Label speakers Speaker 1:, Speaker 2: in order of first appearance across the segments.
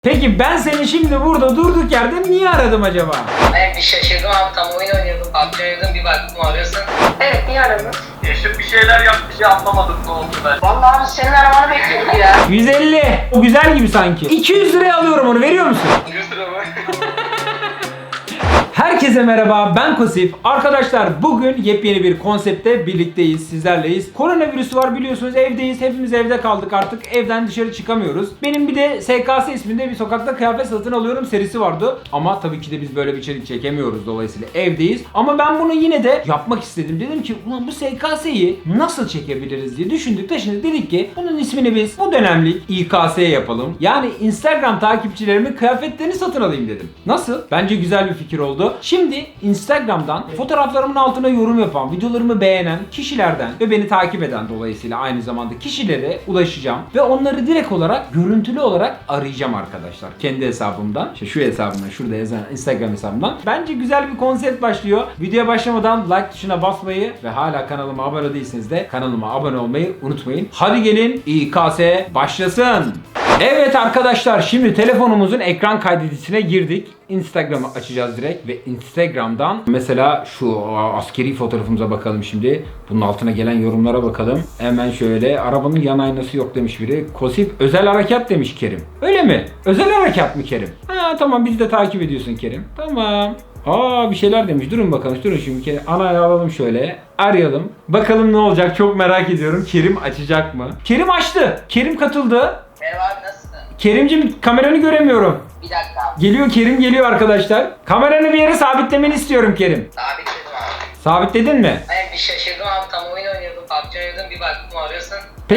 Speaker 1: Peki ben seni şimdi burada durduk yerde niye aradım acaba?
Speaker 2: Ben bir şaşırdım abi, tam oyun oynuyordum. PUBG oynuyordum, bir baktım arıyorsun. Evet, niye aradın?
Speaker 3: Eşim bir şeyler yapmış ya, anlamadım ne oldu ben.
Speaker 2: Vallahi abi senin aramanı bekliyorum ya.
Speaker 1: 150. O güzel gibi sanki. 200 liraya alıyorum onu, veriyor musun?
Speaker 3: 100 lira mı?
Speaker 1: Herkese merhaba, ben Kosif. Arkadaşlar bugün yepyeni bir konsepte birlikteyiz, sizlerleyiz. Koronavirüsü var biliyorsunuz, evdeyiz. Hepimiz evde kaldık artık. Evden dışarı çıkamıyoruz. Benim bir de SKS isminde bir sokakta kıyafet satın alıyorum serisi vardı. Ama tabii ki de biz böyle bir içerik çekemiyoruz, dolayısıyla evdeyiz. Ama ben bunu yine de yapmak istedim. Dedim ki ulan bu SKS'yi nasıl çekebiliriz diye düşündük. Taşındık, dedik ki bunun ismini biz bu dönemlik İKS yapalım. Yani Instagram takipçilerimin kıyafetlerini satın alayım dedim. Nasıl? Bence güzel bir fikir oldu. Şimdi Instagram'dan fotoğraflarımın altına yorum yapan, videolarımı beğenen kişilerden ve beni takip eden, dolayısıyla aynı zamanda kişilere ulaşacağım ve onları direkt olarak, görüntülü olarak arayacağım arkadaşlar. Kendi hesabımdan, işte şu hesabımdan, şurada yazan Instagram hesabımdan. Bence güzel bir konsept başlıyor. Videoya başlamadan like tuşuna basmayı ve hala kanalıma abone değilseniz de kanalıma abone olmayı unutmayın. Hadi gelin İKS başlasın. Evet arkadaşlar, şimdi telefonumuzun ekran kaydedicisine girdik. Instagram'ı açacağız direkt ve Instagram'dan mesela şu askeri fotoğrafımıza bakalım şimdi. Bunun altına gelen yorumlara bakalım. Hemen şöyle, arabanın yan aynası yok demiş biri. Kosif özel harekat demiş Kerim. Öyle mi? Özel harekat mı Kerim? Ha tamam, bizi de takip ediyorsun Kerim. Tamam. Bir şeyler demiş. Durun bakalım. Durun şimdi. Anayı alalım şöyle. Arayalım. Bakalım ne olacak. Çok merak ediyorum. Kerim açacak mı? Kerim açtı. Kerim katıldı.
Speaker 2: Merhaba abi, nasılsın?
Speaker 1: Kerimcim, kameranı göremiyorum.
Speaker 2: Bir dakika abi.
Speaker 1: Geliyor, Kerim geliyor arkadaşlar. Kameranı bir yere sabitlemeni istiyorum Kerim.
Speaker 2: Sabitledim abi.
Speaker 1: Sabitledin mi?
Speaker 2: Ben bir şaşırdım abi, tam oyun oynuyordum. PUBG oynuyordum, bir baktım arıyorsun.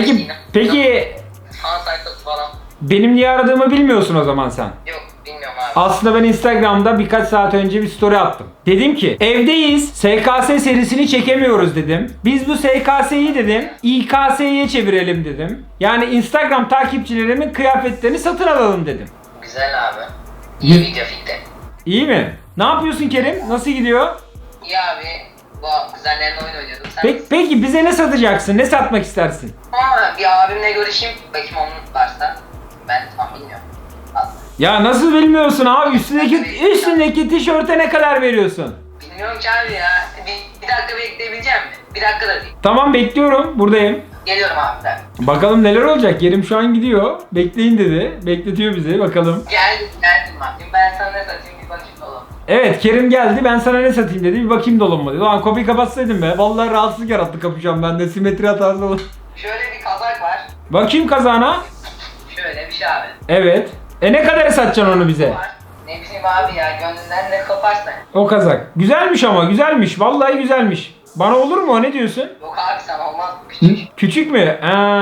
Speaker 1: Peki
Speaker 2: Fan sayfası falan.
Speaker 1: benim niye aradığımı bilmiyorsun o zaman sen.
Speaker 2: Yok, bilmiyorum abi.
Speaker 1: Aslında ben Instagram'da birkaç saat önce bir story attım. Dedim ki evdeyiz, SKS serisini çekemiyoruz dedim. Biz bu SKS'yi dedim İKS'ye çevirelim dedim. Yani Instagram takipçilerimin kıyafetlerini satın alalım dedim.
Speaker 2: Güzel abi. İyi video fikri.
Speaker 1: İyi mi? Ne yapıyorsun Kerim? Nasıl gidiyor?
Speaker 2: İyi abi. Bu kuzenlerle oyun oynuyordum. Sen
Speaker 1: Peki bize ne satacaksın? Ne satmak istersin?
Speaker 2: Ama bir abimle görüşeyim. Bakayım onun varsa. Ben tam bilmiyorum. Aslında.
Speaker 1: Ya nasıl bilmiyorsun abi? Üstündeki tişörte ne kadar veriyorsun?
Speaker 2: Bilmiyorum ki abi ya. Bir dakika bekleyebileceğim mi? Bir dakika da değil.
Speaker 1: Tamam, bekliyorum. Buradayım.
Speaker 2: Geliyorum abi bir dakika.
Speaker 1: Bakalım neler olacak. Kerim şu an gidiyor. Bekleyin dedi. Bekletiyor bizi. Bakalım.
Speaker 2: Geldim abi. Şimdi ben sana ne satayım, bir bakayım oğlum.
Speaker 1: Evet, Kerim geldi. Ben sana ne satayım dedi. Bir bakayım dolabıma dedi. Lan kapıyı kapatsaydım be. Vallahi rahatsızlık yarattı kapı şu an. Bende simetri hatası olur.
Speaker 2: Şöyle bir kazak var.
Speaker 1: Bakayım kazağına.
Speaker 2: Şöyle bir şey abi.
Speaker 1: Evet. Ne kadar satacaksın onu bize?
Speaker 2: Var. Ne bileyim abi ya, gönlünden ne koparsan.
Speaker 1: O kazak. Güzelmiş ama, güzelmiş. Vallahi güzelmiş. Bana olur mu o? Ne diyorsun?
Speaker 2: Yok abi, sana olmaz, küçük.
Speaker 1: Küçük mü?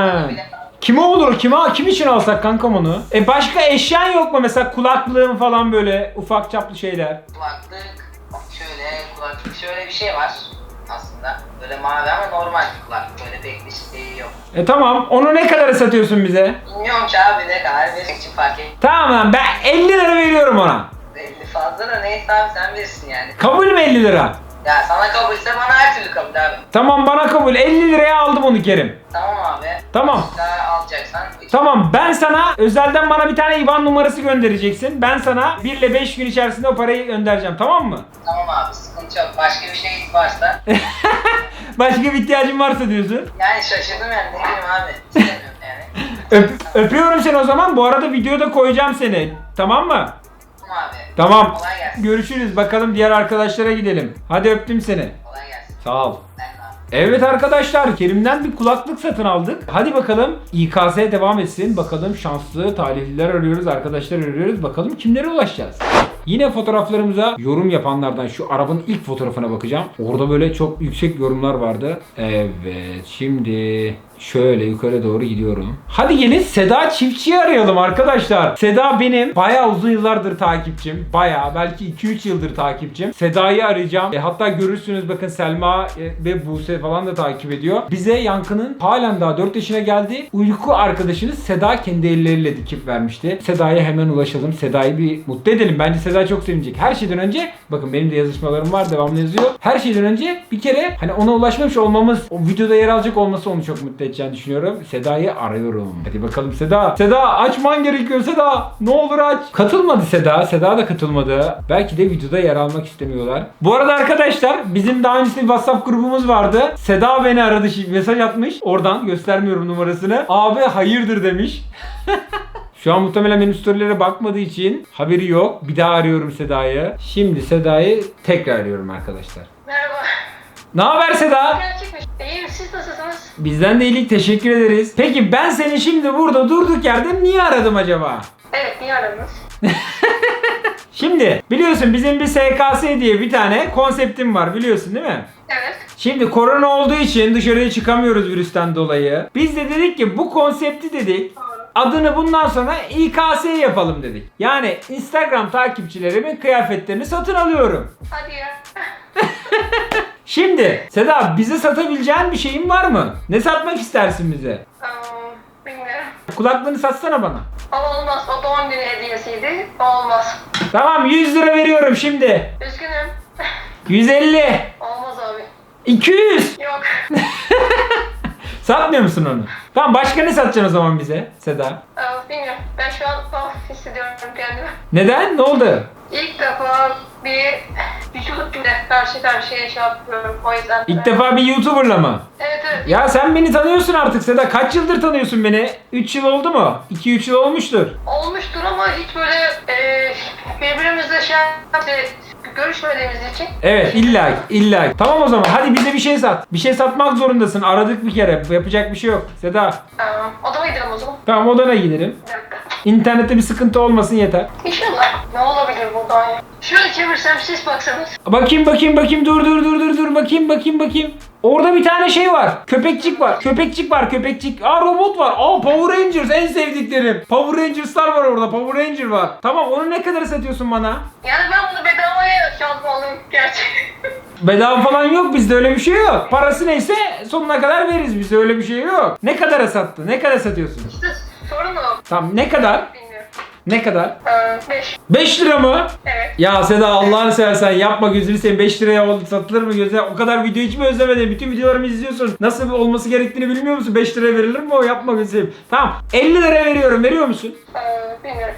Speaker 1: Kime olur? Kim için alsak kankam onu? Başka eşyan yok mu? Mesela kulaklığın falan, böyle ufak çaplı şeyler.
Speaker 2: Kulaklık şöyle bir şey var aslında. Böyle mavi ama normal kulaklık. Böyle pek bir şey yok.
Speaker 1: Tamam. Onu ne kadar satıyorsun bize?
Speaker 2: Bilmiyorum ki abi, ne kadar benim için fark et.
Speaker 1: Tamam lan, ben 50 lira veriyorum ona.
Speaker 2: 50 fazla da neyse abi, sen bilirsin yani.
Speaker 1: Kabul mü 50 lira?
Speaker 2: Ya sana kabulse bana her türlü kabul abi.
Speaker 1: Tamam, bana kabul. 50 liraya aldım onu Kerim.
Speaker 2: Tamam abi.
Speaker 1: Tamam.
Speaker 2: Daha alacaksan.
Speaker 1: Tamam, ben sana özelden bana bir tane IBAN numarası göndereceksin. Ben sana 1 ile 5 gün içerisinde o parayı göndereceğim, tamam mı?
Speaker 2: Tamam abi, sıkıntı yok. Başka bir şey varsa.
Speaker 1: Başka bir ihtiyacın varsa diyorsun.
Speaker 2: Yani şaşırdım yani, ne bileyim abi. İstemiyorum yani.
Speaker 1: Öpüyorum seni o zaman. Bu arada videoda koyacağım seni. Tamam mı?
Speaker 2: Tamam abi.
Speaker 1: Tamam.
Speaker 2: Kolay gelsin.
Speaker 1: Görüşürüz. Bakalım diğer arkadaşlara gidelim. Hadi öptüm seni.
Speaker 2: Kolay gelsin.
Speaker 1: Sağ ol.
Speaker 2: Ben de abi.
Speaker 1: Evet arkadaşlar, Kerim'den bir kulaklık satın aldık. Hadi bakalım İKS devam etsin. Bakalım şanslı talihliler arıyoruz, arkadaşlar arıyoruz. Bakalım kimlere ulaşacağız. Yine fotoğraflarımıza yorum yapanlardan şu arabanın ilk fotoğrafına bakacağım. Orada böyle çok yüksek yorumlar vardı. Evet, şimdi şöyle yukarı doğru gidiyorum. Hadi gelin Seda Çiftçi'yi arayalım arkadaşlar. Seda benim bayağı uzun yıllardır takipçim. Bayağı, belki 2-3 yıldır takipçim. Seda'yı arayacağım. Hatta görürsünüz, bakın Selma ve Buse falan da takip ediyor. Bize Yankı'nın halen daha 4 yaşına geldi. Uyku arkadaşını Seda kendi elleriyle dikip vermişti. Seda'ya hemen ulaşalım. Seda'yı bir mutlu edelim. Bence Seda çok sevinecek. Her şeyden önce, bakın benim de yazışmalarım var, devamlı yazıyor. Her şeyden önce bir kere hani ona ulaşmamış olmamız, o videoda yer alacak olması onu çok mutlu edecek. edeceğini düşünüyorum. Seda'yı arıyorum. Hadi bakalım Seda. Seda açman gerekiyor Seda. Ne olur aç. Katılmadı Seda. Seda da katılmadı. Belki de videoda yer almak istemiyorlar. Bu arada arkadaşlar bizim daha öncesinde bir WhatsApp grubumuz vardı. Seda beni aradı. Mesaj atmış. Oradan göstermiyorum numarasını. Abi hayırdır demiş. Şu an muhtemelen benim storylere bakmadığı için haberi yok. Bir daha arıyorum Seda'yı. Şimdi Seda'yı tekrar arıyorum arkadaşlar.
Speaker 4: Merhaba.
Speaker 1: Ne haber Seda?
Speaker 4: Gerçekmiş. İyiyim, siz nasılsınız?
Speaker 1: Bizden de iyilik, teşekkür ederiz. Peki ben seni şimdi burada durduk yerde niye aradım acaba?
Speaker 4: Evet, niye aradınız?
Speaker 1: Şimdi biliyorsun bizim bir SKS diye bir tane konseptim var, biliyorsun değil mi?
Speaker 4: Evet.
Speaker 1: Şimdi korona olduğu için dışarıya çıkamıyoruz virüsten dolayı. Biz de dedik ki bu konsepti dedik. Adını bundan sonra İKS yapalım dedik. Yani Instagram takipçilerimin kıyafetlerini satın alıyorum.
Speaker 4: Hadi ya.
Speaker 1: Şimdi Seda, bize satabileceğin bir şeyin var mı? Ne satmak istersin bize?
Speaker 4: Bilmiyorum.
Speaker 1: Kulaklığını satsana bana.
Speaker 4: O olmaz. O doğum günü hediyesiydi. O olmaz.
Speaker 1: Tamam 100 lira veriyorum şimdi.
Speaker 4: Üzgünüm.
Speaker 1: 150.
Speaker 4: Olmaz abi.
Speaker 1: 200.
Speaker 4: Yok.
Speaker 1: Satmıyor musun onu? Tamam başka ne satacaksın o zaman bize Seda?
Speaker 4: Bilmiyorum. Ben şu an hissediyorum kendimi.
Speaker 1: Neden? Ne oldu?
Speaker 4: İlk defa bir vücutla karşı karşıya şey yapıyorum. O yüzden.
Speaker 1: İlk defa bir YouTuber'la mı?
Speaker 4: Evet evet.
Speaker 1: Ya sen beni tanıyorsun artık Seda. Kaç yıldır tanıyorsun beni? 3 yıl oldu mu? 2-3 yıl olmuştur.
Speaker 4: Olmuştur ama hiç böyle birbirimizle görüşmediğimiz için.
Speaker 1: Evet illa. Tamam o zaman hadi bize bir şey sat. Bir şey satmak zorundasın. Aradık bir kere. Yapacak bir şey yok Seda.
Speaker 4: Odama gidelim o zaman.
Speaker 1: Tamam odana gidelim.
Speaker 4: Bir dakika.
Speaker 1: İnternette bir sıkıntı olmasın yeter.
Speaker 4: İnşallah. Ne olabilir buradan ya? Şöyle çevirsem siz baksanız.
Speaker 1: Bakayım. Dur. Bakayım. Orada bir tane şey var. Köpekçik var. Aa robot var. Aa Power Rangers en sevdiklerim. Power Rangers'lar var orada. Power Ranger var. Tamam onu ne kadar satıyorsun bana?
Speaker 4: Yani ben bunu bedavaya çalmalıyım gerçekten.
Speaker 1: Bedava falan yok, bizde öyle bir şey yok. Parası neyse sonuna kadar veririz, bizde öyle bir şey yok. Ne kadara sattı? Ne kadar satıyorsun?
Speaker 4: İşte sorun o.
Speaker 1: Tamam ne kadar?
Speaker 4: Bilmiyorum.
Speaker 1: Ne kadar?
Speaker 4: 5.
Speaker 1: 5 lira mı?
Speaker 4: Evet.
Speaker 1: Ya Seda Allah'ını seversen yapma, gözünü seveyim, 5 liraya satılır mı gözüne? O kadar video hiç mi özlemedin? Bütün videolarımı izliyorsun. Nasıl olması gerektiğini bilmiyor musun? 5 liraya verilir mi o? Yapma gözünü seveyim. Tamam 50 lira veriyorum, veriyor musun?
Speaker 4: Bilmiyorum.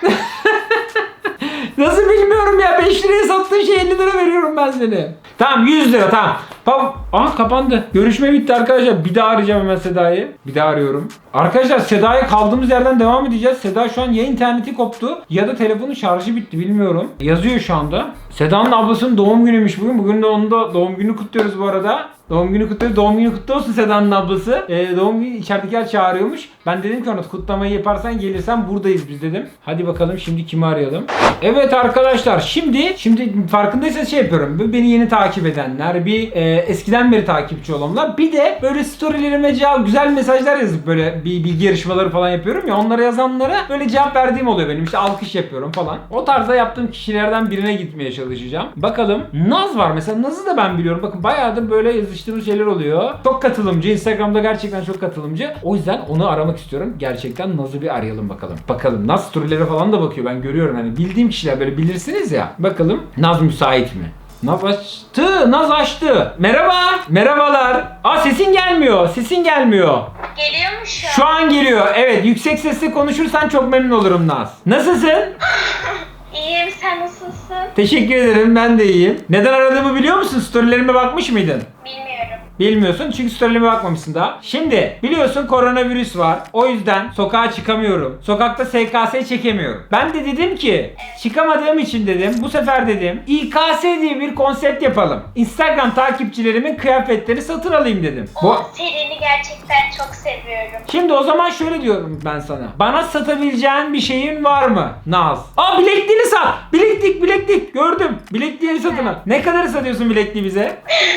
Speaker 1: Nasıl bilmiyorum ya, 5 liraya sattığın şey 50 lira veriyorum ben seni. Tamam 100 lira tamam. Aha kapandı. Görüşme bitti arkadaşlar. Bir daha arayacağım hemen Seda'yı. Bir daha arıyorum. Arkadaşlar Seda'ya kaldığımız yerden devam edeceğiz. Seda şu an ya interneti koptu ya da telefonun şarjı bitti, bilmiyorum. Yazıyor şu anda. Seda'nın ablasının doğum günüymüş bugün. Bugün de onun da doğum günü kutluyoruz bu arada. Doğum günü kutluyoruz. Doğum günü kutlu olsun Seda'nın ablası. Doğum günü içeridekiler çağırıyormuş. Ben dedim ki ona kutlamayı yaparsan gelirsen buradayız biz dedim. Hadi bakalım şimdi kimi arayalım. Evet arkadaşlar şimdi farkındaysanız şey yapıyorum. Beni yeni takip edenler, bir eskiden beri takipçi olanlar, bir de böyle storylerime güzel mesajlar yazıp böyle bir bilgi yarışmaları falan yapıyorum ya, onlara yazanlara böyle cevap verdiğim oluyor benim. İşte alkış yapıyorum falan. O tarzda yaptığım kişilerden birine gitmeye çalışacağım. Bakalım. Naz var mesela. Naz'ı da ben biliyorum. Bakın bayağıdır böyle yazıştığımız şeyler oluyor. Çok katılımcı. Instagram'da gerçekten çok katılımcı. O yüzden onu aramak istiyorum. Gerçekten Naz'ı bir arayalım bakalım. Bakalım. Naz storylere falan da bakıyor. Ben görüyorum. Hani bildiğim kişiler böyle bilirsiniz ya. Bakalım Naz müsait mi? Naz açtı. Naz açtı. Merhaba. Merhabalar. Aa sesin gelmiyor.
Speaker 4: Geliyor mu şu an?
Speaker 1: Şu an geliyor. Evet, yüksek sesle konuşursan çok memnun olurum Naz. Nasılsın?
Speaker 4: İyiyim, sen nasılsın?
Speaker 1: Teşekkür ederim, ben de iyiyim. Neden aradığımı biliyor musun? Storylerime bakmış mıydın?
Speaker 4: Bilmiyorum.
Speaker 1: Bilmiyorsun çünkü storylerime bakmamışsın daha. Şimdi biliyorsun koronavirüs var. O yüzden sokağa çıkamıyorum. Sokakta SKS çekemiyorum. Ben de dedim ki çıkamadığım için dedim bu sefer dedim İKS diye bir konsept yapalım. Instagram takipçilerimin kıyafetlerini satın alayım dedim.
Speaker 4: Serini gerçekten çok seviyorum.
Speaker 1: Şimdi o zaman şöyle diyorum ben sana. Bana satabileceğin bir şeyin var mı Naz? Aa bilekliğini sat. Bileklik. Gördüm. Bilekliğini satın al. Ne kadar satıyorsun bilekliği bize?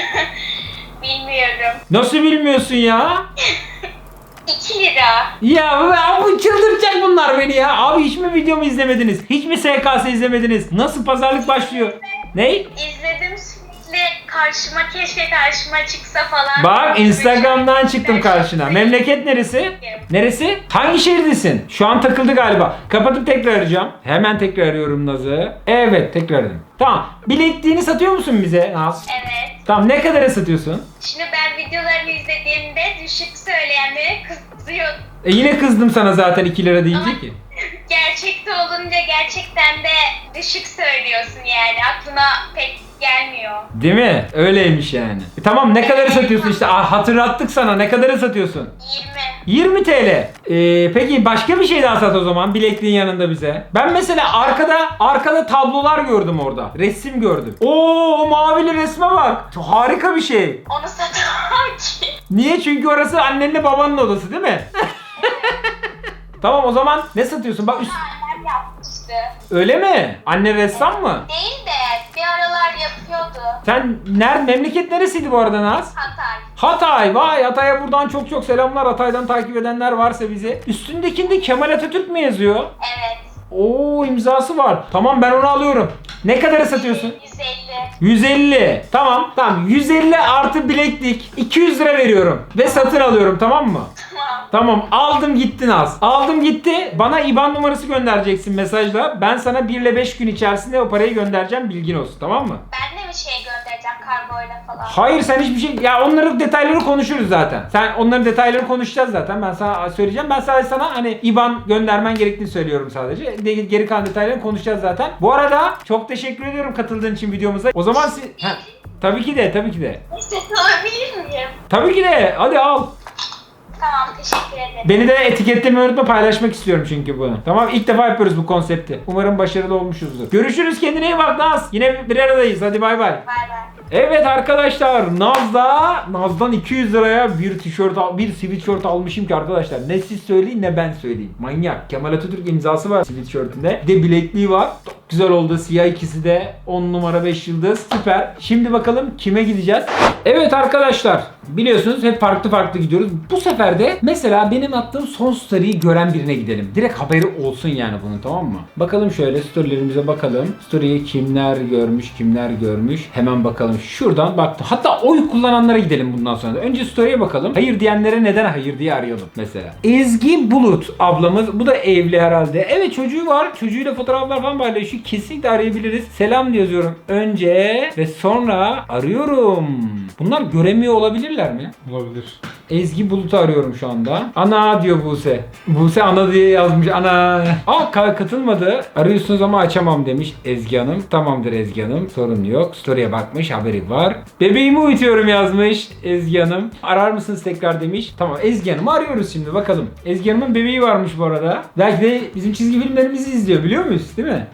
Speaker 4: Bilmiyorum.
Speaker 1: Nasıl bilmiyorsun ya?
Speaker 4: 2 lira.
Speaker 1: Ya bu çıldıracak bunlar beni ya. Abi hiç mi videomu izlemediniz? Hiç mi SKS izlemediniz? Nasıl pazarlık başlıyor? Ne?
Speaker 4: İzledim, sürekli
Speaker 5: keşke karşıma çıksa falan.
Speaker 1: Bak Instagram'dan çıktım karşına. Memleket neresi? Neresi? Hangi şehirdesin? Şu an takıldı galiba. Kapatıp tekrar arayacağım. Hemen tekrar arıyorum Naz'ı. Evet tekrar aradım. Tamam. Bilekliğini satıyor musun bize Naz?
Speaker 5: Evet.
Speaker 1: Tamam ne kadara satıyorsun?
Speaker 5: Şimdi ben videolarını izlediğimde düşük söyleyenlere kızıyordum.
Speaker 1: Yine kızdım sana zaten 2 lira deyince ki.
Speaker 5: Gerçekte olunca gerçekten de düşük söylüyorsun yani. Aklına pek gelmiyor.
Speaker 1: Değil mi? Öyleymiş yani. Tamam ne kadara satıyorsun işte. Hatırlattık sana. Ne kadara satıyorsun?
Speaker 5: 20.
Speaker 1: 20 TL. Peki başka bir şey daha sat o zaman bilekliğin yanında bize. Ben mesela arkada tablolar gördüm orada. Resim gördüm. Oo o mavili resme bak. Çok harika bir şey.
Speaker 5: Onu satamam ki.
Speaker 1: Niye? Çünkü orası annenle babanın odası değil mi? Tamam o zaman ne satıyorsun? Bak
Speaker 5: Annem yapmıştı.
Speaker 1: öyle mi? Anne ressam mı?
Speaker 5: Değil de bir aralar yapıyordu.
Speaker 1: Sen memleket neresiydi bu arada Naz?
Speaker 5: Hatay.
Speaker 1: Hatay. Vay Hatay'a buradan çok çok selamlar. Hatay'dan takip edenler varsa bizi. Üstündekinde Kemal Atatürk mü yazıyor?
Speaker 5: Evet.
Speaker 1: Oo imzası var. Tamam ben onu alıyorum. Ne kadara satıyorsun?
Speaker 5: 150.
Speaker 1: 150. Tamam. Tamam 150 artı bileklik. 200 lira veriyorum. Ve satın alıyorum tamam mı?
Speaker 5: Tamam.
Speaker 1: Tamam aldım gitti Naz. Aldım gitti. Bana IBAN numarası göndereceksin mesajla. Ben sana 1 ile 5 gün içerisinde o parayı göndereceğim bilgin olsun tamam mı?
Speaker 5: Ben de bir şey göndereceğim kargoyla falan.
Speaker 1: Hayır sen hiçbir şey... Ya onların detayları konuşuruz zaten. Sen onların detaylarını konuşacağız zaten. Ben sana söyleyeceğim. Ben sadece sana hani IBAN göndermen gerektiğini söylüyorum sadece. Geri kalan detaylarını konuşacağız zaten. Bu arada çok teşekkür ediyorum katıldığın için videomuza. O zaman siz... Tabii ki de tabii ki de.
Speaker 5: Set alabilir miyim?
Speaker 1: Tabii ki de. Hadi al.
Speaker 5: Tamam teşekkür ederim.
Speaker 1: Beni de etiketlemeyi unutma paylaşmak istiyorum çünkü bunu. Tamam ilk defa yapıyoruz bu konsepti. Umarım başarılı olmuşuzdur. Görüşürüz kendine iyi bak Naz. Yine bir aradayız. Hadi bay bay.
Speaker 5: Bay bay.
Speaker 1: Evet arkadaşlar Naz'dan 200 liraya bir tişört bir sweatshirt almışım ki arkadaşlar. Ne siz söyleyin ne ben söyleyeyim. Manyak. Kemal Atatürk imzası var sweatshirtinde. Bir de bilekliği var. Çok güzel oldu. Siyah ikisi de 10 numara 5 yıldız. Süper. Şimdi bakalım kime gideceğiz? Evet arkadaşlar. Biliyorsunuz hep farklı gidiyoruz. Bu sefer de mesela benim attığım son story'yi gören birine gidelim. Direkt haberi olsun yani bunun tamam mı? Bakalım şöyle story'lerimize bakalım. Story'yi kimler görmüş. Hemen bakalım. Şuradan baktım. Hatta oy kullananlara gidelim bundan sonra da. Önce story'e bakalım. Hayır diyenlere neden hayır diye arayalım mesela. Ezgi Bulut ablamız. Bu da evli herhalde. Evet çocuğu var. Çocuğuyla fotoğraflar falan paylaşıyor. Kesinlikle arayabiliriz. Selam yazıyorum önce ve sonra arıyorum. Bunlar göremiyor olabilirler mi?
Speaker 6: Olabilir.
Speaker 1: Ezgi Bulut'u arıyorum şu anda. Ana diyor Buse. Buse ana diye yazmış. Ana. Katılmadı. Arıyorsunuz ama açamam demiş Ezgi Hanım. Tamamdır Ezgi Hanım. Sorun yok. Story'e bakmış. Haberi var. Bebeğimi uyutuyorum yazmış Ezgi Hanım. Arar mısınız tekrar demiş. Tamam Ezgi Hanım'ı arıyoruz şimdi bakalım. Ezgi Hanım'ın bebeği varmış bu arada. Belki de bizim çizgi filmlerimizi izliyor biliyor muyuz? Değil mi?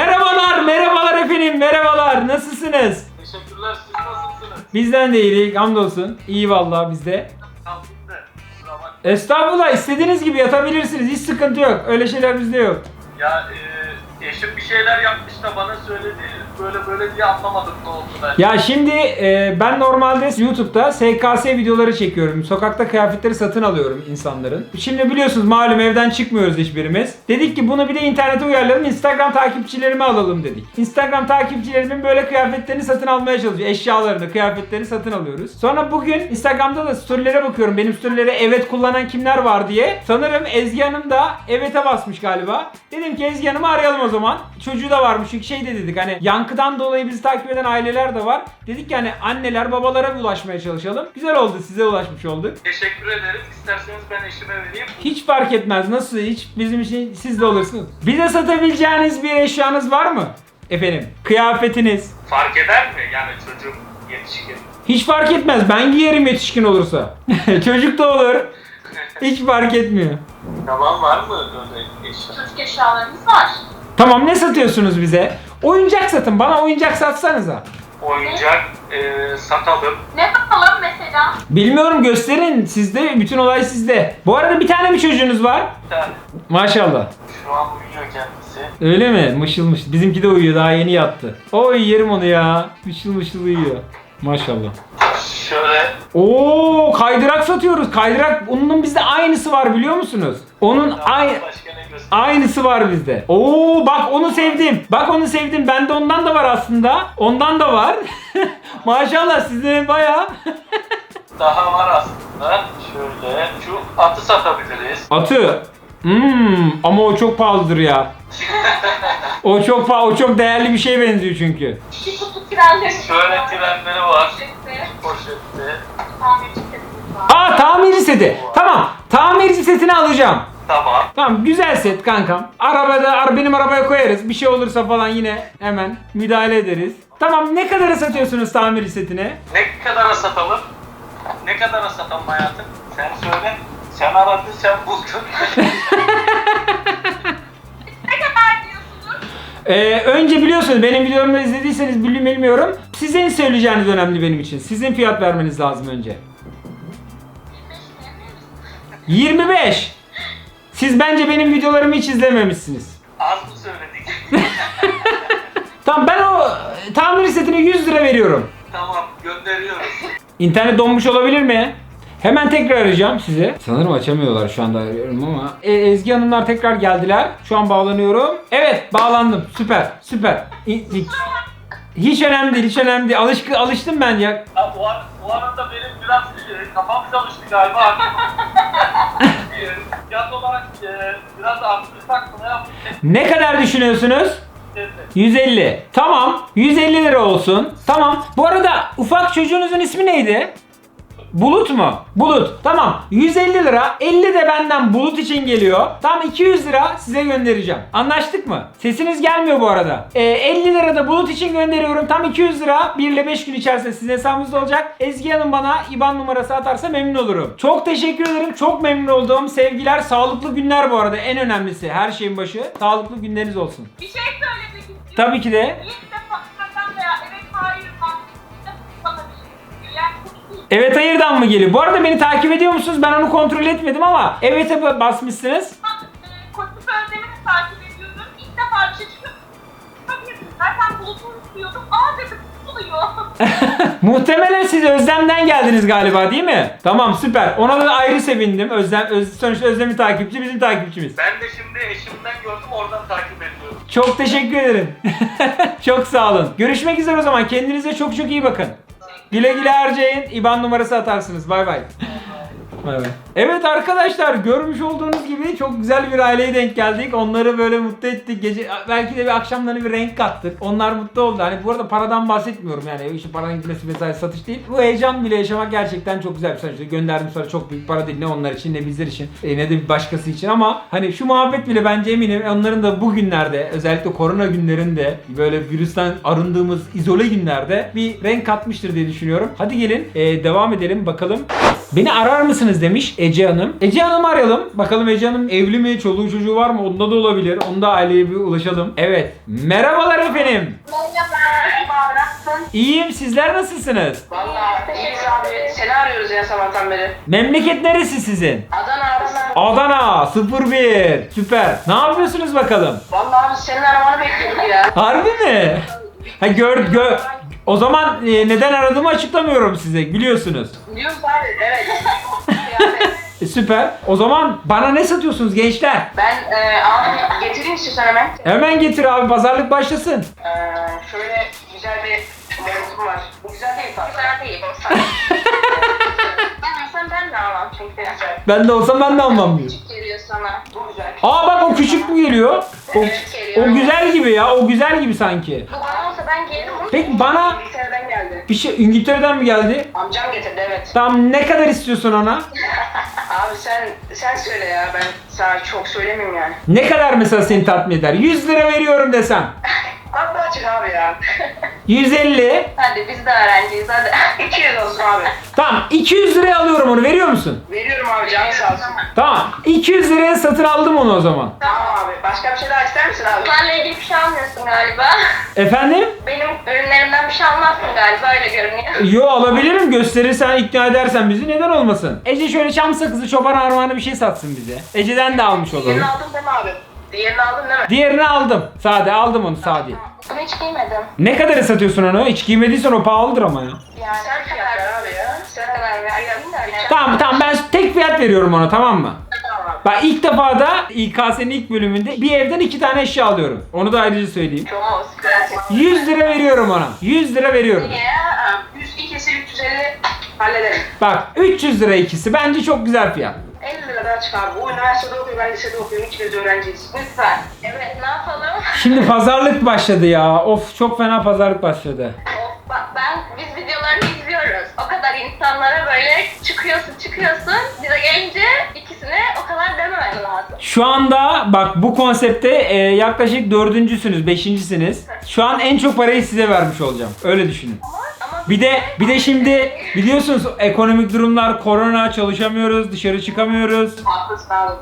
Speaker 1: Merhabalar efendim. Merhabalar. Nasılsınız?
Speaker 3: Teşekkürler, siz nasılsınız?
Speaker 1: Bizden de iyilik. Hamdolsun. İyi vallahi bizde.
Speaker 3: Kalktım da, kusura bakma.
Speaker 1: Estağfurullah istediğiniz gibi yatabilirsiniz. Hiç sıkıntı yok. Öyle şeyler bizde yok.
Speaker 3: Ya eşim bir şeyler yapmış da bana söyledi, böyle diye anlamadım ne oldu ben.
Speaker 1: Ya şimdi ben normalde YouTube'da SKS videoları çekiyorum. Sokakta kıyafetleri satın alıyorum insanların. Şimdi biliyorsunuz malum evden çıkmıyoruz hiçbirimiz. Dedik ki bunu bir de internete uyarlayalım. Instagram takipçilerimi alalım dedik. Instagram takipçilerimin böyle kıyafetlerini satın almaya çalışıyor. Eşyalarını, kıyafetlerini satın alıyoruz. Sonra bugün Instagram'da da storylere bakıyorum. Benim storylere evet kullanan kimler var diye. Sanırım Ezgi Hanım da evet'e basmış galiba. Dedim ki Ezgi Hanım'ı arayalım o zaman. Çocuğu da varmış çünkü şey de dedik hani yankıdan dolayı bizi takip eden aileler de var. Dedik ki hani anneler babalara ulaşmaya çalışalım. Güzel oldu size ulaşmış olduk.
Speaker 3: Teşekkür ederim. İsterseniz ben eşime vereyim.
Speaker 1: Hiç fark etmez nasıl hiç bizim için siz de olursunuz. Bize satabileceğiniz bir eşyanız var mı? Efendim kıyafetiniz.
Speaker 3: Fark eder mi? Yani çocuk yetişkin.
Speaker 1: Hiç fark etmez ben giyerim yetişkin olursa. Çocuk da olur. Hiç fark etmiyor.
Speaker 3: Tamam, var mı öyle eşya?
Speaker 5: Çocuk eşyalarımız var.
Speaker 1: Tamam ne satıyorsunuz bize? Oyuncak satın bana oyuncak satsanıza.
Speaker 3: Oyuncak satalım.
Speaker 5: Ne yapalım mesela?
Speaker 1: Bilmiyorum gösterin sizde bütün olay sizde. Bu arada bir tane mi çocuğunuz var?
Speaker 3: Bir tane.
Speaker 1: Maşallah.
Speaker 3: Şu an uyuyor kendisi.
Speaker 1: Öyle mi? Mışıl mışıl. Bizimki de uyuyor daha yeni yattı. Oy yerim onu ya. Mışıl mışıl uyuyor. Maşallah.
Speaker 3: Şöyle
Speaker 1: Oo kaydırak satıyoruz. Kaydırak onun bizde aynısı var biliyor musunuz? Onun
Speaker 3: Başka ne göster?
Speaker 1: aynısı var bizde. Oo bak onu sevdim. Bak onu sevdim. Bende ondan da var aslında. Ondan da var. Maşallah sizlerin bayağı.
Speaker 3: Daha var aslında. Şöyle şu atı satabiliriz.
Speaker 1: Atı. Ama o çok pahalıdır ya. O çok değerli bir şeye benziyor çünkü.
Speaker 5: Bir kutu trenleri.
Speaker 3: Şöyle trenleri var.
Speaker 5: Poşette.
Speaker 3: Poşette.
Speaker 5: Tamirci setimiz var.
Speaker 1: Tamirci seti. Tamam. Tamirci setini alacağım.
Speaker 3: Tamam.
Speaker 1: Tamam güzel set kankam. Benim arabaya koyarız. Bir şey olursa falan yine hemen müdahale ederiz. Tamam ne kadara satıyorsunuz tamirci setini?
Speaker 3: Ne kadara satalım? Ne kadara satalım hayatım? Sen söyle. Sen aradın, sen buldun.
Speaker 5: Ne kadar diyorsunuz?
Speaker 1: Önce biliyorsunuz benim videomu izlediyseniz bilmiyorum. Sizin söyleyeceğiniz önemli benim için. Sizin fiyat vermeniz lazım önce. 25. Siz bence benim videolarımı hiç izlememişsiniz.
Speaker 3: Az mı söyledik?
Speaker 1: Tamam ben o tamir setine 100 lira veriyorum.
Speaker 3: Tamam, gönderiyoruz.
Speaker 1: İnternet donmuş olabilir mi? Hemen tekrar arayacağım sizi. Sanırım açamıyorlar şu anda arıyorum ama. Ezgi Hanımlar tekrar geldiler. Şu an bağlanıyorum. Evet bağlandım. Süper. Hiç önemli değil, hiç önemli değil. Alıştım ben ya.
Speaker 3: Ha, bu arada benim biraz kafam çalıştı galiba. Fiyat olarak biraz arttırsak mı ne yapayım?
Speaker 1: Ne kadar düşünüyorsunuz? 150. Tamam. 150 lira olsun. Tamam. Bu arada ufak çocuğunuzun ismi neydi? Bulut mu? Bulut. Tamam. 150 lira. 50 de benden Bulut için geliyor. Tam 200 lira size göndereceğim. Anlaştık mı? Sesiniz gelmiyor bu arada. 50 lira da Bulut için gönderiyorum. Tam 200 lira. 1 ile 5 gün içerisinde sizin hesabınızda olacak. Ezgi Hanım bana IBAN numarası atarsa memnun olurum. Çok teşekkür ederim. Çok memnun oldum. Sevgiler. Sağlıklı günler bu arada. En önemlisi. Her şeyin başı. Sağlıklı günleriniz olsun.
Speaker 5: Bir şey söylemek istiyorum.
Speaker 1: Tabii ki de.
Speaker 5: İlk defa senden veya evet hayır bana bir şey. Yani kutu
Speaker 1: Evet hayırdan mı geliyor? Bu arada beni takip ediyor musunuz? Ben onu kontrol etmedim ama evet'e basmışsınız.
Speaker 5: Kutu sözlemini takip ediyordum. İlk defa bir şey çıkıyor. Tabii zaten bulutunu istiyordum. Aa dedim tutuluyor.
Speaker 1: Muhtemelen siz Özlem'den geldiniz galiba değil mi? Tamam süper. Ona da ayrı sevindim. Sonuçta Özlem'in takipçi bizim takipçimiz.
Speaker 3: Ben de şimdi eşimden gördüm, oradan takip ediyorum.
Speaker 1: Çok teşekkür ederim. Çok sağ olun. Görüşmek üzere o zaman. Kendinize çok iyi bakın. Güle güle harcayın. IBAN numarası atarsınız. Bay bay. Bay bay. Evet arkadaşlar görmüş olduğunuz gibi çok güzel bir aileye denk geldik. Onları böyle mutlu ettik. Gece belki de bir akşamlarına bir renk kattık. Onlar mutlu oldu. Hani bu arada paradan bahsetmiyorum yani. İşte paranın gitmesi vesaire satış değil. Bu heyecan bile yaşamak gerçekten çok güzel bir şey. İşte gönderdim sonra çok büyük para değil. Ne onlar için ne bizler için ne de bir başkası için ama hani şu muhabbet bile bence eminim onların da bu günlerde özellikle korona günlerinde böyle virüsten arındığımız izole günlerde bir renk katmıştır diye düşünüyorum. Hadi gelin devam edelim bakalım. Beni arar mısınız demiş Ece Hanım. Ece Hanım'ı arayalım. Bakalım Ece Hanım evli mi? Çoluğu çocuğu var mı? Onda da olabilir. Onda aileye bir ulaşalım. Evet. Merhabalar efendim.
Speaker 4: Merhaba, nasılsın?
Speaker 1: İyiyim. Sizler nasılsınız?
Speaker 4: Vallahi iyiyiz abi. Seni arıyoruz ya sabahtan beri.
Speaker 1: Memleket neresi sizin?
Speaker 4: Adana.
Speaker 1: Adana 01. Süper. Ne yapıyorsunuz bakalım?
Speaker 4: Vallahi abi senin aramanı bekliyorduk ya.
Speaker 1: Harbi mi? Ha o zaman neden aradığımı açıklamıyorum size. Biliyorsunuz.
Speaker 4: Biliyoruz abi, evet.
Speaker 1: Süper. O zaman bana ne satıyorsunuz gençler?
Speaker 4: Ben abi getireyim istiyorsan hemen.
Speaker 1: Hemen getir abi. Pazarlık başlasın.
Speaker 4: Şöyle güzel bir montum var. Bu güzel değil tabii. Güzel değil. Ben de almam çünkü.
Speaker 1: Ben de olsam ben de almam diyor.
Speaker 4: Küçük geliyor sana. Bu güzel.
Speaker 1: Aa bak o küçük mü geliyor?
Speaker 4: Evet, geliyor.
Speaker 1: O güzel gibi ya. O güzel gibi sanki.
Speaker 4: Bu bana olsa ben gelirim.
Speaker 1: Peki bana
Speaker 4: İngiltere'den geldi.
Speaker 1: bir şey İngiltere'den mi geldi?
Speaker 4: Amcam getirdi evet.
Speaker 1: Tamam ne kadar istiyorsun ona?
Speaker 4: Abi sen söyle ya, ben sana çok söylemeyeyim yani.
Speaker 1: Ne kadar mesela seni tatmin eder? 100 lira veriyorum desem.
Speaker 4: Abi açık abi ya.
Speaker 1: 150.
Speaker 4: Hadi biz de öğrenciyiz hadi. 200 olsun abi.
Speaker 1: Tamam 200 liraya alıyorum onu, veriyor musun?
Speaker 4: Veriyorum abi, canı sağ olsun.
Speaker 1: Tamam 200 liraya satın aldım onu o zaman.
Speaker 4: Tamam abi, başka bir şey daha ister misin abi?
Speaker 5: Benle ilgili bir şey almıyorsun galiba.
Speaker 1: Efendim?
Speaker 5: Benim ürünlerimden bir şey almazsın galiba öyle görünüyor.
Speaker 1: Yo alabilirim, gösterirsen ikna edersen bizi, neden olmasın? Ece şöyle çam sakızı çoban armağanı bir şey satsın bize. Ece'den de almış olalım.
Speaker 4: Diğerini aldın değil mi abi? Diğerini aldın değil mi?
Speaker 1: Diğerini aldım. Sade aldım onu sade.
Speaker 5: Bunu hiç giymedim.
Speaker 1: Ne kadar satıyorsun onu? Hiç giymediysen o pahalıdır ama ya.
Speaker 5: Yani
Speaker 4: Sen fiyat ver abi ya. Sen
Speaker 5: kadar verdim de.
Speaker 1: Tamam ben tek fiyat veriyorum ona, tamam mı?
Speaker 4: Tamam abi.
Speaker 1: Bak ilk defa da İKS'nin ilk bölümünde bir evden 2 tane eşya alıyorum. Onu da ayrıca söyleyeyim.
Speaker 4: Çok gracias.
Speaker 1: 100 lira veriyorum ona. 100 lira veriyorum.
Speaker 4: Ya 100 ikisi 350 hallederim.
Speaker 1: Bak 300 lira ikisi. Bence çok güzel fiyat.
Speaker 4: 50 liradan çıkar. Bu üniversitede okuyor, ben lisede okuyorum. İkimiz öğrenciyiz. Lütfen. Evet, ne yapalım?
Speaker 1: Şimdi pazarlık başladı ya. Of çok fena pazarlık başladı.
Speaker 4: Of, bak biz videolarını izliyoruz. O kadar insanlara böyle çıkıyorsun. Bize gelince ikisine o kadar dememen lazım.
Speaker 1: Şu anda bak bu konsepte yaklaşık 4.'süsünüz, 5.'siniz. Şu an en çok parayı size vermiş olacağım. Öyle düşünün.
Speaker 4: Ama
Speaker 1: Bir de şimdi biliyorsunuz ekonomik durumlar, korona, çalışamıyoruz, dışarı çıkamıyoruz.
Speaker 4: haklısın abi.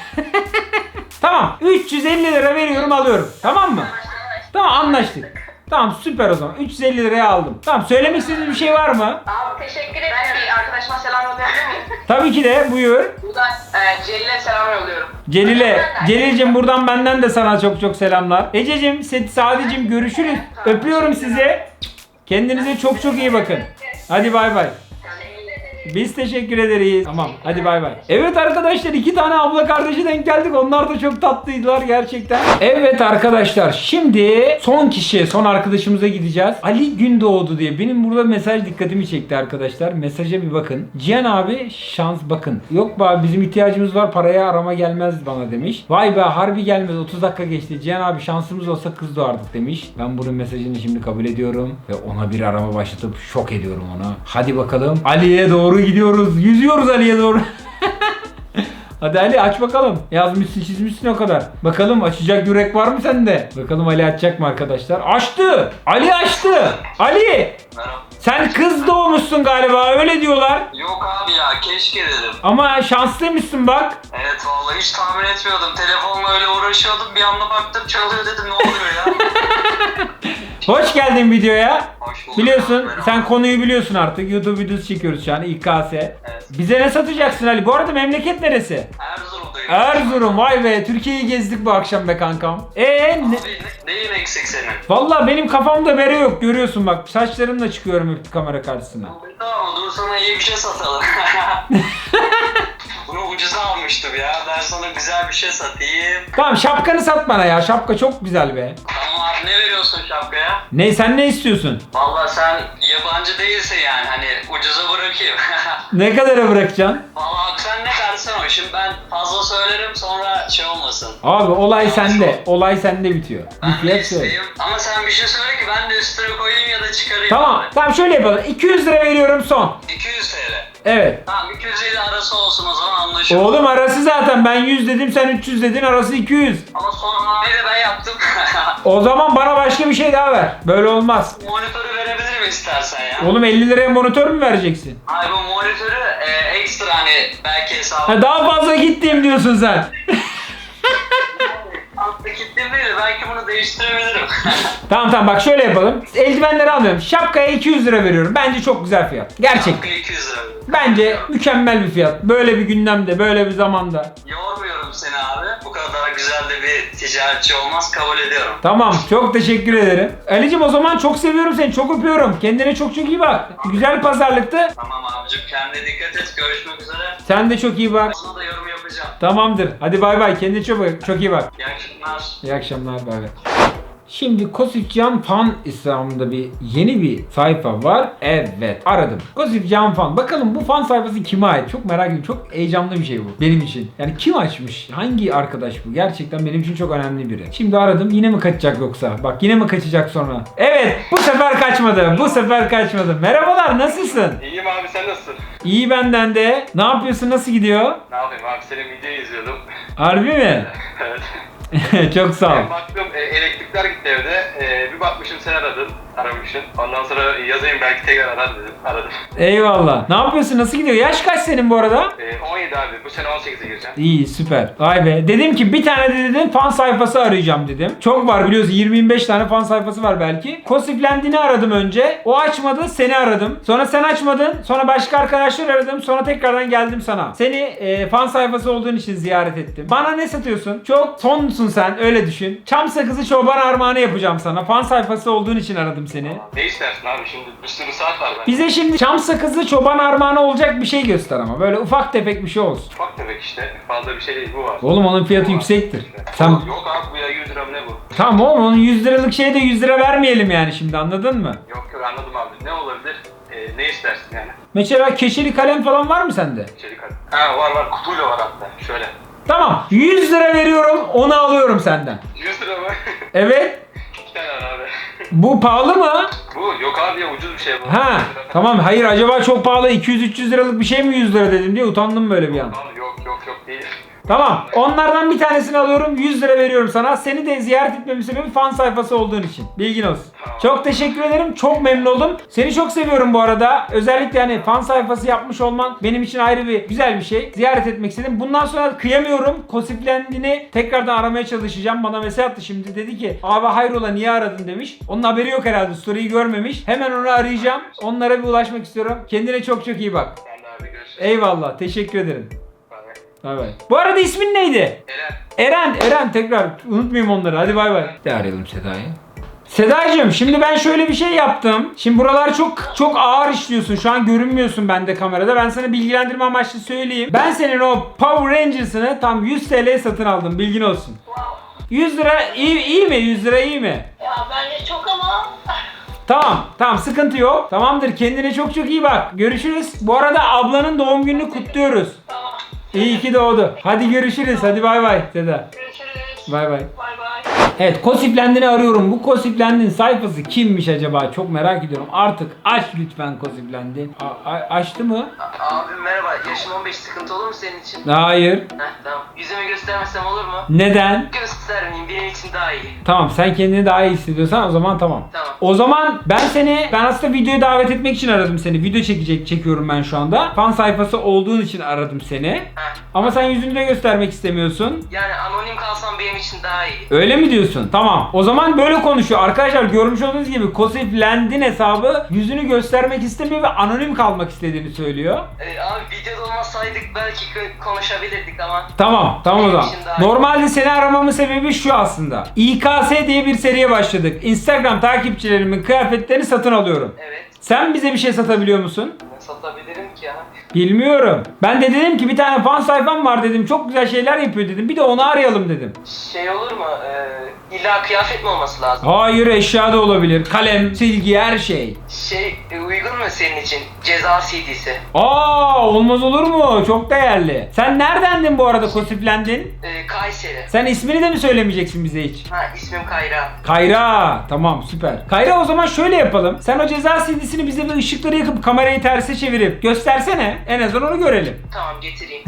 Speaker 1: Tamam 350 lira veriyorum alıyorum. Tamam mı? Tamam anlaştık. Tamam süper o zaman. 350 liraya aldım. Tamam söylemek istediğiniz bir şey var mı?
Speaker 4: Abi teşekkür ederim. Ben bir arkadaşıma selam yollayabilir miyim?
Speaker 1: Tabii ki de buyur.
Speaker 4: Buradan Celil'e selam yolluyorum.
Speaker 1: Celil'cim buradan benden de sana çok çok selamlar. Ececiğim, Sadicim görüşürüz. Öpüyorum sizi. Kendinize çok çok iyi bakın. Hadi bay bay. Biz teşekkür ederiz. Tamam hadi bay bay. Evet arkadaşlar 2 tane abla kardeşi denk geldik. Onlar da çok tatlıydılar gerçekten. Evet arkadaşlar şimdi son arkadaşımıza gideceğiz. Ali Gündoğdu diye. Benim burada mesaj dikkatimi çekti arkadaşlar. Mesaja bir bakın. Cihan abi şans bakın. Yok be abi bizim ihtiyacımız var, paraya arama gelmez bana demiş. Vay be harbi gelmez, 30 dakika geçti. Cihan abi şansımız olsa kız doğardık demiş. Ben bunun mesajını şimdi kabul ediyorum. Ve ona bir arama başlatıp şok ediyorum ona. Hadi bakalım Ali'ye doğru gidiyoruz. Yüzüyoruz Ali'ye doğru. Hadi Ali aç bakalım. Yazmışsın çizmişsin o kadar. Bakalım açacak yürek var mı sende? Bakalım Ali açacak mı arkadaşlar? Açtı. Ali açtı. Ali.
Speaker 3: Merhaba.
Speaker 1: Sen kız doğmuşsun galiba öyle diyorlar.
Speaker 3: Yok abi ya keşke dedim.
Speaker 1: Ama şanslıymışsın bak.
Speaker 3: Evet vallahi hiç tahmin etmiyordum. Telefonla öyle uğraşıyordum. Bir anda baktım çalıyor dedim ne oluyor ya?
Speaker 1: Hoş geldin videoya.
Speaker 3: Hoş bulduk.
Speaker 1: Biliyorsun
Speaker 3: Merhaba.
Speaker 1: sen konuyu biliyorsun artık. YouTube videosu çekiyoruz şu an İKS.
Speaker 3: Evet.
Speaker 1: Bize ne satacaksın Ali? Bu arada memleket neresi?
Speaker 3: Erzurum'dayım.
Speaker 1: Erzurum. Vay be Türkiye'yi gezdik bu akşam be kankam.
Speaker 3: Abi neyin eksik senin?
Speaker 1: Valla benim kafamda bere yok görüyorsun bak. Saçlarımla çıkıyorum hep kamera karşısına.
Speaker 3: Tamam dur sana iyi bir şey satalım. Bunu ucuza almıştım ya. Ben sana güzel bir şey satayım.
Speaker 1: Tamam şapkanı sat bana ya. Şapka çok güzel be.
Speaker 3: Tamam abi ne veriyorsun şapkaya?
Speaker 1: Ne sen ne istiyorsun?
Speaker 3: Vallahi sen yabancı değilsin yani hani ucuza bırakayım.
Speaker 1: Ne kadara bırakacaksın?
Speaker 3: Vallahi sen ne dersen o. Şimdi ben fazla söylerim sonra şey olmasın.
Speaker 1: Abi olay sende. Olay sende bitiyor.
Speaker 3: Ben
Speaker 1: Bir
Speaker 3: de
Speaker 1: fiyat söyle.
Speaker 3: isteyeyim. Ama sen bir şey söyle ki ben de üstüne koyayım ya da çıkarayım.
Speaker 1: Tamam.
Speaker 3: abi.
Speaker 1: Tamam şöyle yapalım. 200 lira veriyorum son.
Speaker 3: 200 TL.
Speaker 1: Evet.
Speaker 3: Tamam 250 arası olsun o zaman anlaşıldı.
Speaker 1: Oğlum arası zaten ben 100 dedim sen 300 dedin arası 200.
Speaker 3: Ama son hamleyi de ben yaptım.
Speaker 1: O zaman bana başka bir şey daha ver. Böyle olmaz.
Speaker 3: Monitörü verebilirim istersen ya.
Speaker 1: Oğlum 50 liraya monitör mü vereceksin?
Speaker 3: Hayır bu monitörü ekstra hani belki hesabı.
Speaker 1: Ha, daha fazla gittim diyorsun sen.
Speaker 3: Altta kilitli değil belki bunu değiştirebilirim.
Speaker 1: Tamam bak şöyle yapalım. Eldivenleri almıyorum. Şapkaya 200 lira veriyorum. Bence çok güzel fiyat. Gerçek.
Speaker 3: Hakkı 200 lira.
Speaker 1: Bence mükemmel bir fiyat. Böyle bir gündemde, böyle bir zamanda.
Speaker 3: Yormuyorum seni abi. Bu kadar güzel de bir ticaretçi olmaz kabul ediyorum.
Speaker 1: Tamam, çok teşekkür ederim. Ali'cim o zaman çok seviyorum seni, çok öpüyorum. Kendine çok çok iyi bak. Güzel pazarlıktı.
Speaker 3: Tamam abicim kendine dikkat et. Görüşmek üzere.
Speaker 1: Sen de çok iyi bak.
Speaker 3: Sana da yorum yapacağım.
Speaker 1: Tamamdır. Hadi bay bay. Kendine çok iyi bak.
Speaker 3: İyi akşamlar.
Speaker 1: İyi akşamlar. Bay bay. Şimdi Kosifcan Fan İslam'da yeni bir sayfa var. Evet aradım. Kosifcan Fan. Bakalım bu fan sayfası kime ait? Çok merak ediyorum. Çok heyecanlı bir şey bu benim için. Yani kim açmış? Hangi arkadaş bu? Gerçekten benim için çok önemli biri. Şimdi aradım. Yine mi kaçacak yoksa? Bak yine mi kaçacak sonra? Evet bu sefer kaçmadı. Bu sefer kaçmadı. Merhabalar nasılsın?
Speaker 6: İyiyim abi sen nasılsın?
Speaker 1: İyi benden de. Ne yapıyorsun? Nasıl gidiyor?
Speaker 6: Ne yapayım abi senin videoyu izliyordum.
Speaker 1: Harbi mi?
Speaker 6: Evet.
Speaker 1: Çok sağ ol.
Speaker 6: Baktım elektrikler gitti evde. Bir bakmışım sen aramışsın. Ondan sonra yazayım belki tekrar arar dedim. Aradım.
Speaker 1: Eyvallah. Ne yapıyorsun? Nasıl gidiyor? Yaş kaç senin bu arada?
Speaker 6: 17 abi bu sene 18'e gireceğim.
Speaker 1: İyi süper. Vay be. Dedim ki bir tane de dedim fan sayfası arayacağım dedim. Çok var biliyorsun 20-25 tane fan sayfası var belki. Kosiflendiğini aradım önce. O açmadı seni aradım. Sonra sen açmadın. Sonra başka arkadaşlar aradım. Sonra tekrardan geldim sana. Seni fan sayfası olduğun için ziyaret ettim. Bana ne satıyorsun? Çok sonsun Çobanımsın sen, öyle düşün. Çam sakızı çoban armağanı yapacağım sana. Fan sayfası olduğun için aradım seni.
Speaker 6: Ne istersin abi şimdi? Bir sürü saat var bende.
Speaker 1: Bize şimdi çam sakızı çoban armağanı olacak bir şey göster ama. Böyle ufak tefek bir şey olsun.
Speaker 6: Ufak tefek işte. Fazla bir şey değil, bu var.
Speaker 1: Oğlum onun fiyatı yüksektir. Sen...
Speaker 6: Yok abi, bu ya 100 lira mı ne bu?
Speaker 1: Tamam oğlum, onun 100 liralık şeye de 100 lira vermeyelim yani şimdi, anladın mı?
Speaker 6: Yok anladım abi. Ne olabilir? Ne istersin yani?
Speaker 1: Mesela keçeli kalem falan var mı sende?
Speaker 6: İçerik hadi. Ha var, kutuyla var hatta. Şöyle.
Speaker 1: Tamam, 100 lira veriyorum, onu alıyorum senden.
Speaker 6: 100 lira mı?
Speaker 1: Evet.
Speaker 6: 2 tane var abi.
Speaker 1: Bu pahalı mı?
Speaker 6: Bu yok abi ya, ucuz bir şey bu.
Speaker 1: Ha,
Speaker 6: 100 lira falan.
Speaker 1: tamam, hayır acaba çok pahalı 200-300 liralık bir şey mi 100 lira dedim diye utandım böyle bir an.
Speaker 6: Abi yok değil.
Speaker 1: Tamam, onlardan bir tanesini alıyorum, 100 lira veriyorum sana. Seni de ziyaret etmemin sebebi fan sayfası olduğun için. Bilgin olsun.
Speaker 6: Tamam.
Speaker 1: Çok teşekkür ederim, çok memnun oldum. Seni çok seviyorum bu arada. Özellikle hani fan sayfası yapmış olman benim için ayrı bir güzel bir şey. Ziyaret etmek istedim. Bundan sonra kıyamıyorum. Kosiflendiğini tekrardan aramaya çalışacağım. Bana mesaj attı şimdi, dedi ki abi hayrola niye aradın demiş. Onun haberi yok herhalde, story'yi görmemiş. Hemen onu arayacağım. Onlara bir ulaşmak istiyorum. Kendine çok çok iyi bak.
Speaker 6: Ben de abi görüşürüz.
Speaker 1: Eyvallah, teşekkür ederim.
Speaker 6: Bay bay.
Speaker 1: Bay bay. Bu arada ismin neydi? Eren tekrar unutmayayım onları. Hadi bay bay. De arayalım Seda'yı. Sedacığım şimdi ben şöyle bir şey yaptım. Şimdi buralar çok ağır işliyorsun. Şu an görünmüyorsun bende kamerada. Ben sana bilgilendirme amaçlı söyleyeyim. Ben senin o Power Rangers'ını tam 100 TL'ye satın aldım. Bilgin olsun.
Speaker 4: Wow.
Speaker 1: 100 lira iyi mi? 100 lira iyi mi?
Speaker 4: Ya bence çok ama...
Speaker 1: Tamam sıkıntı yok. Tamamdır, kendine çok iyi bak. Görüşürüz. Bu arada ablanın doğum gününü kutluyoruz.
Speaker 4: Tamam.
Speaker 1: İyi ki doğdu. Hadi görüşürüz. Hadi bay bay Seda.
Speaker 4: Görüşürüz.
Speaker 1: Bay bay.
Speaker 4: Bay bay.
Speaker 1: Evet, Kosiflendi'ni arıyorum. Bu Kosiflendi'nin sayfası kimmiş acaba? Çok merak ediyorum. Artık aç lütfen Kosiflendi. Açtı mı?
Speaker 2: Abi merhaba, yaşım 15, sıkıntı olur mu senin için?
Speaker 1: Hayır.
Speaker 2: Tamam. Yüzümü göstermesem olur mu?
Speaker 1: Neden?
Speaker 2: Göstermeyeyim, benim için daha iyi.
Speaker 1: Tamam, sen kendini daha iyi hissediyorsan o zaman tamam.
Speaker 2: Tamam.
Speaker 1: O zaman ben aslında videoya davet etmek için aradım seni. Video çekiyorum ben şu anda. Fan sayfası olduğun için aradım seni.
Speaker 2: Heh.
Speaker 1: Ama sen yüzünü de göstermek istemiyorsun.
Speaker 2: Yani anonim kalsam benim için daha iyi.
Speaker 1: Öyle mi diyorsun? Tamam. O zaman böyle konuşuyor. Arkadaşlar görmüş olduğunuz gibi Kosiflendin hesabı yüzünü göstermek istemiyor ve anonim kalmak istediğini söylüyor.
Speaker 2: Abi videoda olmasaydık belki konuşabilirdik ama.
Speaker 1: Tamam o
Speaker 2: Benim
Speaker 1: zaman.
Speaker 2: için daha iyi.
Speaker 1: Normalde seni aramamın sebebi şu aslında. İKS diye bir seriye başladık. Instagram takipçilerimin kıyafetlerini satın alıyorum.
Speaker 2: Evet.
Speaker 1: Sen bize bir şey satabiliyor musun?
Speaker 2: Ne satabilirim ki ya?
Speaker 1: Bilmiyorum. Ben de dedim ki bir tane fan sayfam var dedim. Çok güzel şeyler yapıyor dedim. Bir de onu arayalım dedim.
Speaker 2: Şey olur mu? İlla kıyafet mi olması lazım?
Speaker 1: Hayır, eşya da olabilir. Kalem, silgi, her şey.
Speaker 2: Uygun mu senin için? Ceza CD'si.
Speaker 1: Olmaz olur mu? Çok değerli. Sen neredendin bu arada Kosiflendin?
Speaker 2: Kayseri.
Speaker 1: Sen ismini de mi söylemeyeceksin bize hiç?
Speaker 2: İsmim Kayra.
Speaker 1: Kayra. Tamam, süper. Kayra, o zaman şöyle yapalım. Sen o ceza CD'sini bize bir ışıkları yakıp kamerayı terse çevirip göstersene. En azından onu görelim.
Speaker 2: Tamam, getireyim.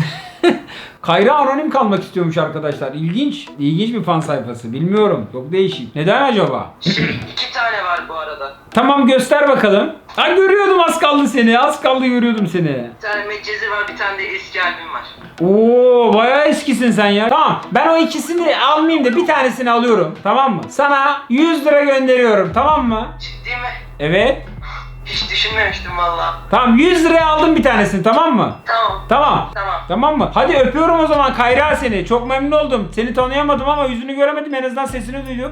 Speaker 1: Kayra anonim kalmak istiyormuş arkadaşlar. İlginç bir fan sayfası. Bilmiyorum. Çok değişik. Neden acaba?
Speaker 2: 2 tane var bu arada.
Speaker 1: Tamam, göster bakalım. Görüyordum, az kaldı seni. Az kaldı, görüyordum seni.
Speaker 2: Bir tane Medcezir var, bir tane de eski albüm var.
Speaker 1: Oo, bayağı eskisin sen ya. Tamam, ben o ikisini almayayım da bir tanesini alıyorum. Tamam mı? Sana 100 lira gönderiyorum. Tamam mı?
Speaker 2: Ciddi mi?
Speaker 1: Evet.
Speaker 2: Hiç düşünmemiştim valla.
Speaker 1: Tamam, 100 liraya aldım bir tanesini, tamam mı?
Speaker 2: Tamam.
Speaker 1: Tamam mı? Hadi öpüyorum o zaman Kayra seni. Çok memnun oldum. Seni tanıyamadım ama yüzünü göremedim. En azından sesini duydum.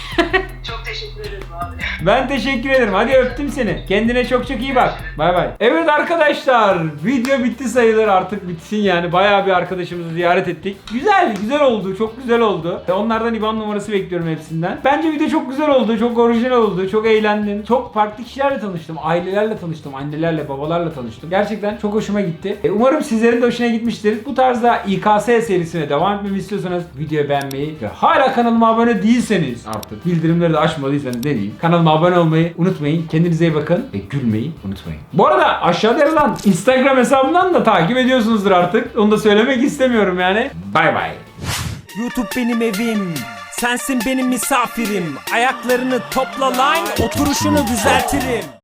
Speaker 2: Çok teşekkür ederim abi.
Speaker 1: Ben teşekkür ederim. Hadi öptüm seni. Kendine çok iyi bak. Bay bay. Evet arkadaşlar, video bitti sayılır, artık bitsin yani. Bayağı bir arkadaşımızı ziyaret ettik. Güzel oldu. Çok güzel oldu. Onlardan IBAN numarası bekliyorum hepsinden. Bence video çok güzel oldu. Çok orijinal oldu. Çok eğlendim. Çok farklı kişilerle tanıştım. Ailelerle tanıştım. Annelerle, babalarla tanıştım. Gerçekten çok hoşuma gitti. Umarım sizlerin de hoşuna gitmiştir. Bu tarzda İKS serisine devam etmemi istiyorsanız videoyu beğenmeyi ve hala kanalıma abone değilseniz, artık bildirimleri de açmadıysanız deneyim. Kanalıma abone olmayı unutmayın. Kendinize iyi bakın ve gülmeyi unutmayın. Bu arada aşağıda yazılan Instagram hesabımdan da takip ediyorsunuzdur artık. Onu da söylemek istemiyorum yani. Bay bay.
Speaker 7: YouTube benim evim, sensin benim misafirim. Ayaklarını topla line, oturuşunu düzeltirim.